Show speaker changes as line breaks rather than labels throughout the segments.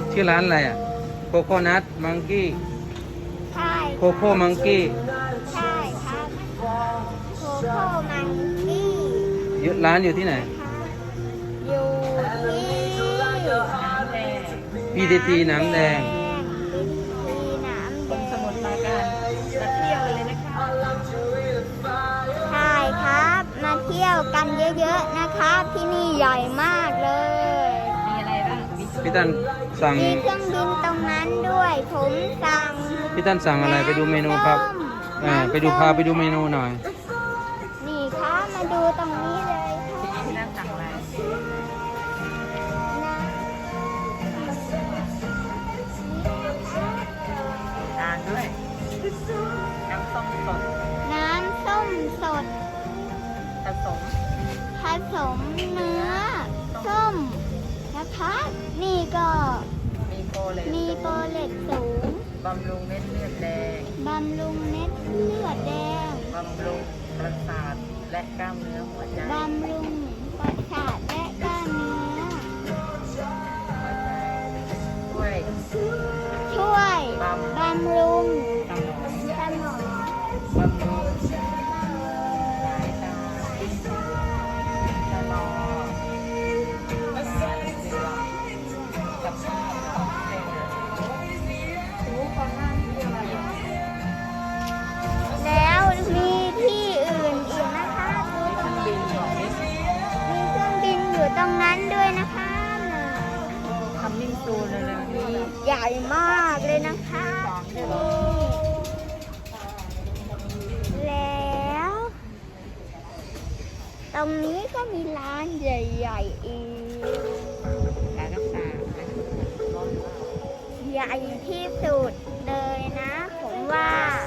ชื่อร้านอะไรอ่ะโคโคนัทมังกี้
ใช่
โคโค่มังกี้
ใช่ครับโคโค่มังกี้
ร้านอยู่ที่ไหน
อยู่ที่
PTT น้ำแดง
PTT น้ำแดง
สมุทรปราการมาเที่ยวเลยนะคะ
ใช่ครับมาเที่ยวกันเยอะๆนะครับที่นี่ใหญ่มากเลย
มีอะไรบ้างมี
พี่ตันสั่ง
มีเครื่องบินตรงนั้นด้วยผมสั่ง
พี่ตันสั่งอะไรไปดูเมนูครับไปดูพาไปดูเมนูหน่อย
นี่ครับมาดูตรงนี้เลยครับ
ที่นั่งสั่งอะไรทานด้วยน้ำส้มสด
น้ำส้มสด
ผสม
ผสมเนื้อส้มนะคะนี่ก็
มีโปรเลต
มีโปรเลตสูง
บำรุงเม็ดเลือดแดง
บำรุงเม็ดเลือดแดง
บำรุงประสาทและกล้ามเนื้อหัวใจ
บำรุงประสาทและกล้ามเนื้อ
ช่วย
ช่วยบำรุง
สมอง
สมอง
บำรุงสายตาชะลอการเสื่อมกับสมองเส้นรู้ความน่าที่อะไร
แล้วมีที่อื่นอีกนะคะดูตรงนี้มีเครื่องบินอยู่ตรงนั้นด้วยนะคะน่ะ
ทำนิ่งซูเลยเลยนี่
ใหญ่มากเลยนะคะแล้ว ตรงนี้ก็มีร้านใหญ่ๆอีก
การรักษาร้อนมาก
ใหญ่ที่สุดเลยนะผมว่า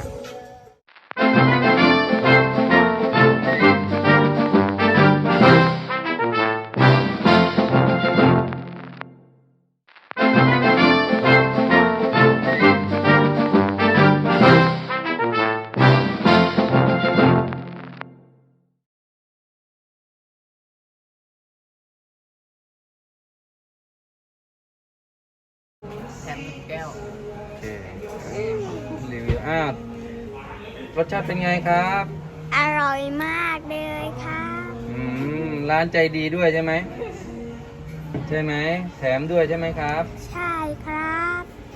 แถม1 แก้ว
โอเครีวิวรสชาติเป็นไงครับ
อร่อยมากเลยครับ
ร้านใจดีด้วยใช่ไหมใช่ไหมแถมด้วยใช่ไหมครับ
ใช่ครับ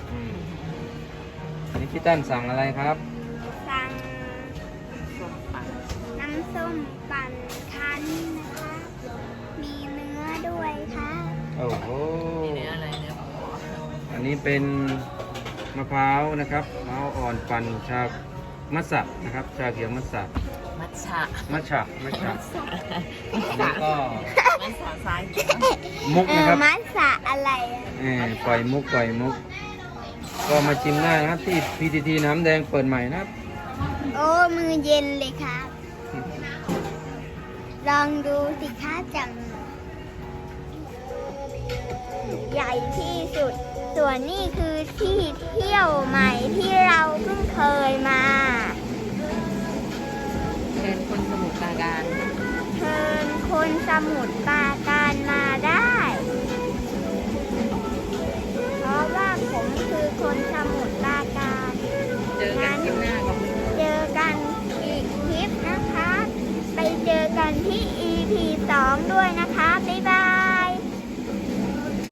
นี่พี่ตั้นสั่งอะไรครับ
สั่ง
ส้มปั่น
น้ำส้มปั่นคั้นนะคะมีเนื้อด้วยค่ะ
โอ้โห
มีเนื้ออะไรเนื้อหมู
อันนี้เป็นมะพร้าวนะครับมะพร้าวอ่อนปั่นชามัสสะนะครับ ชาเขียวมัสสะ
มัทฉะ
มัทฉะอันนี้ก็
มัทฉะซ้าย
มุกนะครับ
มัสสะอะไรอะ
ปล่อยมุก ก็มาชิมได้นะครับที่ PTT น้ำแดงเปิดใหม่นะครับ
โอ้มือเย็นเลยครับ ลองดูสิคะจัง ใหญ่ที่สุด ส่วนนี่คือที่เที่ยวใหม่ที่เราเพิ่งเคยมา
เชิญคนสมุทรปราการ
เชิญคนสมุทรปราการมาได้ เพราะว่าผมคือคนสมุทรปราการ
เจอกันที่หน้ากับ
เจอกันอีกคลิปนะคะ ไปเจอกันที่ EP 2 ด้วยนะคะ